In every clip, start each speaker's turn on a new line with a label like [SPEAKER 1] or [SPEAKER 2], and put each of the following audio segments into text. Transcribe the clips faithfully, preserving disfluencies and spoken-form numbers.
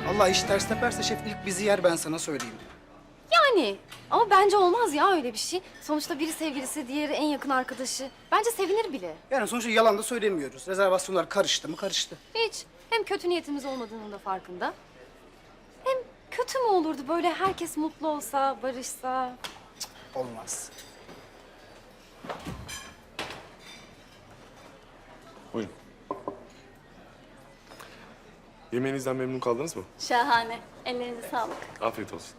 [SPEAKER 1] Allah iş ters teperse şef ilk bizi yer, ben sana söyleyeyim.
[SPEAKER 2] Yani ama bence olmaz ya öyle bir şey. Sonuçta biri sevgilisi, diğeri en yakın arkadaşı. Bence sevinir bile.
[SPEAKER 1] Yani sonuçta yalan da söylemiyoruz. Rezervasyonlar karıştı mı karıştı.
[SPEAKER 2] Hiç. Hem kötü niyetimiz olmadığının da farkında. Hem kötü mü olurdu böyle herkes mutlu olsa, barışsa?
[SPEAKER 1] Olmaz.
[SPEAKER 3] Buyurun. Yemeğinizden memnun kaldınız mı?
[SPEAKER 4] Şahane. Ellerinize sağlık.
[SPEAKER 3] Afiyet olsun.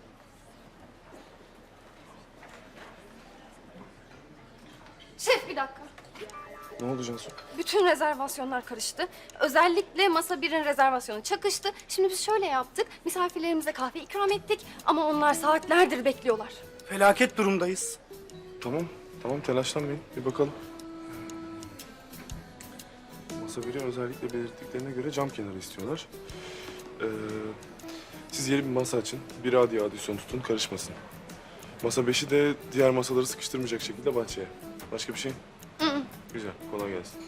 [SPEAKER 2] Şef bir dakika.
[SPEAKER 3] Ne oldu Cansu?
[SPEAKER 2] Bütün rezervasyonlar karıştı. Özellikle masa birin rezervasyonu çakıştı. Şimdi biz şöyle yaptık. Misafirlerimize kahve ikram ettik ama onlar saatlerdir bekliyorlar.
[SPEAKER 1] Felaket durumdayız.
[SPEAKER 3] Tamam, tamam telaşlanmayın. Bir bakalım. Masa biri özellikle belirttiklerine göre cam kenarı istiyorlar. Ee, siz yeni bir masa açın. Bir adi adisyon tutun, karışmasın. Masa beşi de diğer masaları sıkıştırmayacak şekilde bahçeye. Başka bir şey?
[SPEAKER 2] Hı.
[SPEAKER 3] Güzel, kolay gelsin.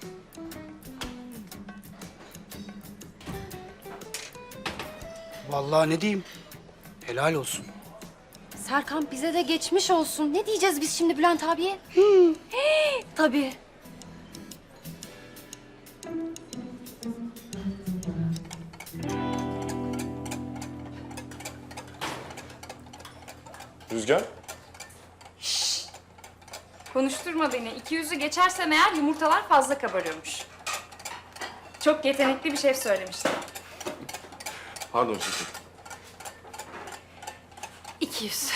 [SPEAKER 1] Vallahi ne diyeyim? Helal olsun.
[SPEAKER 2] Serkan bize de geçmiş olsun. Ne diyeceğiz biz şimdi Bülent abiye? Hı. Tabii.
[SPEAKER 3] Rüzgar?
[SPEAKER 5] Konuşturma beni. İki yüzü geçersem eğer yumurtalar fazla kabarıyormuş. Çok yetenekli bir şef söylemişti.
[SPEAKER 3] Pardon şefim.
[SPEAKER 5] İki yüz.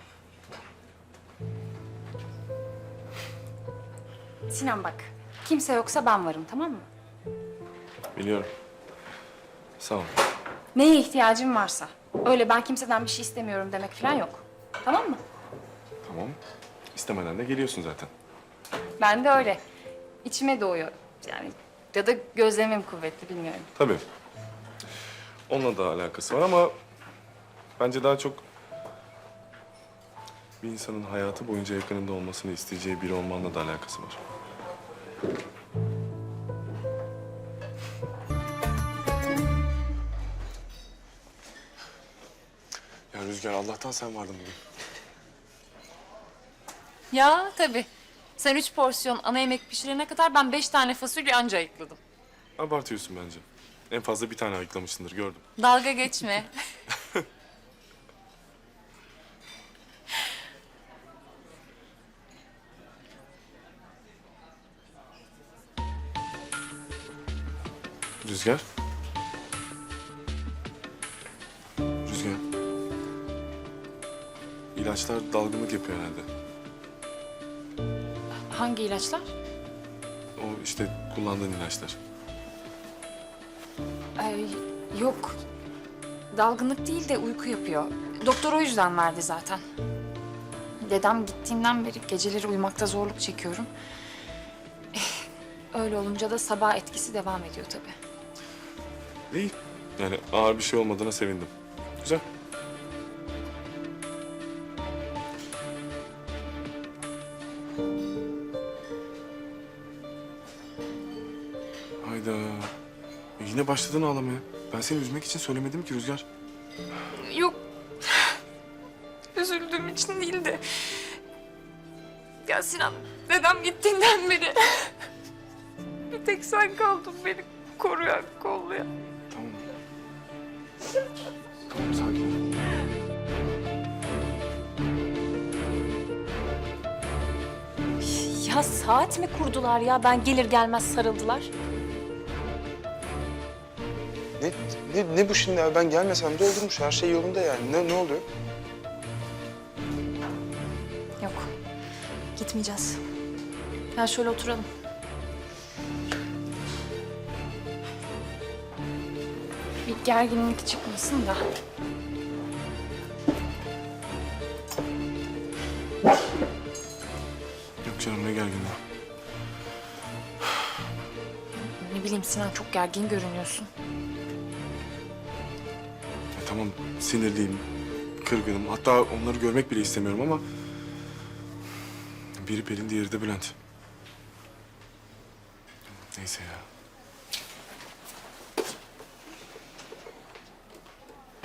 [SPEAKER 5] Sinan bak, kimse yoksa ben varım, tamam mı?
[SPEAKER 3] Biliyorum. Sağ ol.
[SPEAKER 5] Neye ihtiyacın varsa. Öyle ben kimseden bir şey istemiyorum demek falan yok. Tamam mı?
[SPEAKER 3] Tamam. İstemeden de geliyorsun zaten.
[SPEAKER 5] Ben de öyle. İçime doğuyor. Yani ya da gözlemim kuvvetli, bilmiyorum.
[SPEAKER 3] Tabii. Onunla da alakası var ama bence daha çok bir insanın hayatı boyunca yakınında olmasını isteyeceği biri olmanla da alakası var. Ya Rüzgar, Allah'tan sen vardın bugün.
[SPEAKER 6] Ya tabii. Sen üç porsiyon ana yemek pişirene kadar ben beş tane fasulye anca ayıkladım.
[SPEAKER 3] Abartıyorsun bence. En fazla bir tane ayıklamışsındır, gördüm.
[SPEAKER 6] Dalga geçme.
[SPEAKER 3] Rüzgar. Rüzgar. İlaçlar dalgınlık yapıyor herhalde.
[SPEAKER 6] Hangi ilaçlar?
[SPEAKER 3] O işte kullandığın ilaçlar.
[SPEAKER 5] Ay, yok. Dalgınlık değil de uyku yapıyor. Doktor o yüzden verdi zaten. Dedem gittiğinden beri geceleri uyumakta zorluk çekiyorum. Eh, Öyle olunca da sabah etkisi devam ediyor tabii.
[SPEAKER 3] İyi. Yani ağır bir şey olmadığına sevindim. Güzel. Hayda. E yine başladın ağlamaya. Ben seni üzmek için söylemedim ki Rüzgar.
[SPEAKER 6] Yok. Üzüldüğüm için değil de... Ya Sinan, dedem gittiğinden beri... bir tek sen kaldın beni koruyan, kollayan.
[SPEAKER 3] Tamam. Tamam, sakin ol.
[SPEAKER 4] Ya saat mi kurdular ya? Ben gelir gelmez sarıldılar.
[SPEAKER 7] Ne, ne, ne bu şimdi ya? Ben gelmesem de olurmuş. Her şey yolunda yani. Ne, ne oluyor?
[SPEAKER 4] Yok. Gitmeyeceğiz. Gel şöyle oturalım.
[SPEAKER 5] Bir gerginlik çıkmasın da.
[SPEAKER 3] Yok canım, ne gerginliği.
[SPEAKER 5] Ne bileyim Sinan, çok gergin görünüyorsun.
[SPEAKER 3] Ya tamam, sinirliyim, kırgınım. Hatta onları görmek bile istemiyorum ama... biri Pelin, diğeri de Bülent. Neyse ya.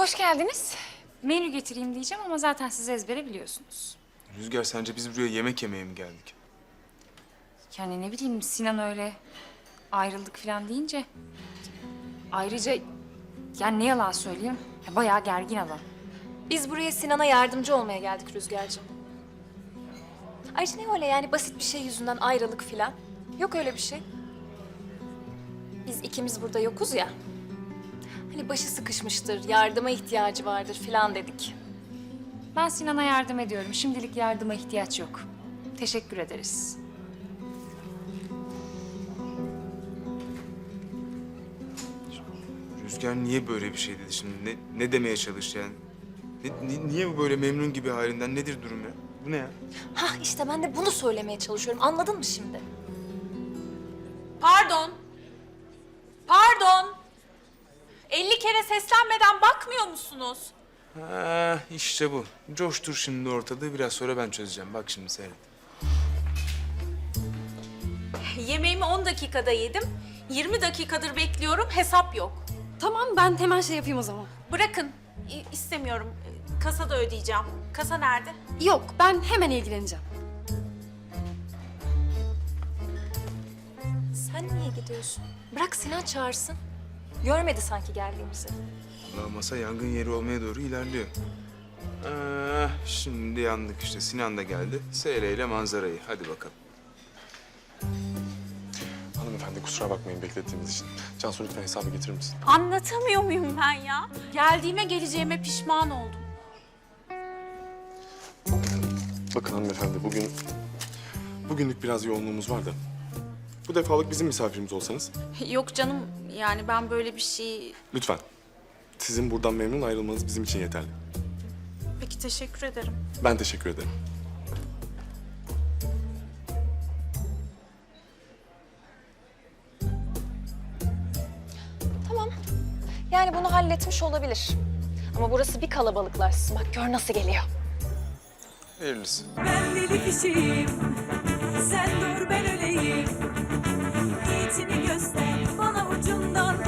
[SPEAKER 5] Hoş geldiniz. Menü getireyim diyeceğim ama zaten siz ezbere biliyorsunuz.
[SPEAKER 7] Rüzgar sence biz buraya yemek yemeye mi geldik?
[SPEAKER 5] Yani ne bileyim Sinan öyle ayrıldık falan deyince. Ayrıca yani ne yalan söyleyeyim ya bayağı gergin adam.
[SPEAKER 4] Biz buraya Sinan'a yardımcı olmaya geldik Rüzgar'cığım. Ayrıca ne öyle yani basit bir şey yüzünden ayrılık filan. Yok öyle bir şey. Biz ikimiz burada yokuz ya. Hani başı sıkışmıştır, yardıma ihtiyacı vardır filan dedik.
[SPEAKER 5] Ben Sinan'a yardım ediyorum. Şimdilik yardıma ihtiyaç yok. Teşekkür ederiz.
[SPEAKER 7] Rüzgar niye böyle bir şey dedi şimdi? Ne, ne demeye çalıştı yani? Ne- ni- niye bu böyle memnun gibi halinden? Nedir durum ya? Bu ne ya?
[SPEAKER 4] Hah işte ben de bunu söylemeye çalışıyorum. Anladın mı şimdi?
[SPEAKER 6] Pardon. Pardon. elli kere seslenmeden bakmıyor musunuz?
[SPEAKER 7] Ha, işte bu. Coştur şimdi ortalığı. Biraz sonra ben çözeceğim. Bak şimdi seyret.
[SPEAKER 6] Yemeğimi on dakikada yedim. yirmi dakikadır bekliyorum, hesap yok.
[SPEAKER 2] Tamam ben hemen şey yapayım o zaman.
[SPEAKER 6] Bırakın, İ- istemiyorum. Kasada ödeyeceğim. Kasa nerede?
[SPEAKER 2] Yok ben hemen ilgileneceğim.
[SPEAKER 4] Sen niye gidiyorsun? Bırak Sinan çağırsın. Görmedi sanki geldiğimizi.
[SPEAKER 7] Allah masa yangın yeri olmaya doğru ilerliyor. Ah, şimdi yandık işte. Sinan da geldi. Seyreyle manzarayı. Hadi bakalım.
[SPEAKER 3] Hanımefendi kusura bakmayın beklettiğimiz için. Cansu lütfen hesabı getirir misin?
[SPEAKER 6] Anlatamıyor muyum ben ya? Geldiğime geleceğime pişman oldum.
[SPEAKER 3] Bakın hanımefendi bugün... Bugünlük biraz yoğunluğumuz var da. Bu defalık bizim misafirimiz olsanız.
[SPEAKER 6] Yok canım, yani ben böyle bir şey...
[SPEAKER 3] Lütfen. Sizin buradan memnun ayrılmanız bizim için yeterli.
[SPEAKER 6] Peki, teşekkür ederim.
[SPEAKER 3] Ben teşekkür ederim.
[SPEAKER 4] Tamam. Yani bunu halletmiş olabilir. Ama burası bir kalabalıklarsın. Bak gör nasıl geliyor.
[SPEAKER 7] Hayırlısı.
[SPEAKER 8] Ben deli kişiyim, sen dur ben öleyim. Niyetini göster bana ucundan